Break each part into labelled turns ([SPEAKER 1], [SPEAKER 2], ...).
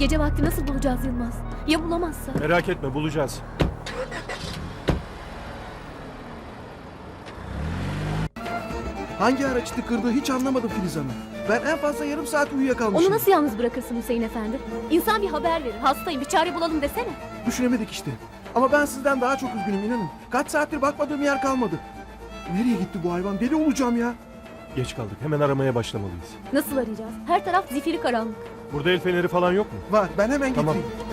[SPEAKER 1] Gece vakti nasıl bulacağız Yılmaz? Ya bulamazsa?
[SPEAKER 2] Merak etme, bulacağız.
[SPEAKER 3] Hangi araç tıkırdığı hiç anlamadım Filiz Hanım. Ben en fazla yarım saat uyuyakalmışım.
[SPEAKER 1] Onu nasıl yalnız bırakırsın Hüseyin Efendi? İnsan bir haber verir. Hastayım, bir çare bulalım desene.
[SPEAKER 3] Düşünemedik işte. Ama ben sizden daha çok üzgünüm inanın. Kaç saattir bakmadığım yer kalmadı. Nereye gitti bu hayvan? Deli olacağım ya.
[SPEAKER 2] Geç kaldık, hemen aramaya başlamalıyız.
[SPEAKER 1] Nasıl arayacağız? Her taraf zifiri karanlık.
[SPEAKER 2] Burada el feneri falan yok mu?
[SPEAKER 3] Var, ben hemen
[SPEAKER 2] Tamam.
[SPEAKER 3] getireyim.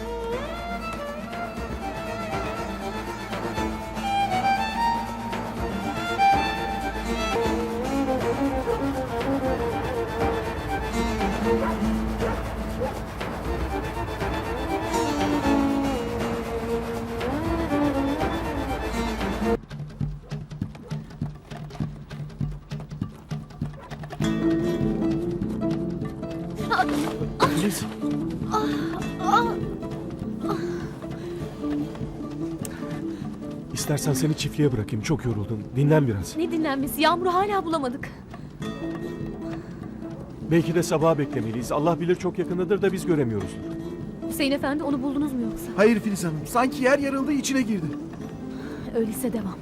[SPEAKER 2] Filiz. İstersen seni çiftliğe bırakayım, çok yoruldun. Dinlen biraz.
[SPEAKER 1] Ne dinlenmesi? Yağmur'u hala bulamadık.
[SPEAKER 2] Belki de sabaha beklemeliyiz. Allah bilir çok yakındadır da biz göremiyoruzdur.
[SPEAKER 1] Hüseyin Efendi onu buldunuz mu yoksa?
[SPEAKER 3] Hayır Filiz Hanım. Sanki yer yarıldı içine girdi.
[SPEAKER 1] Öyleyse devam.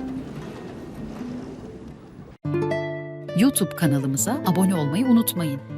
[SPEAKER 4] YouTube kanalımıza abone olmayı unutmayın.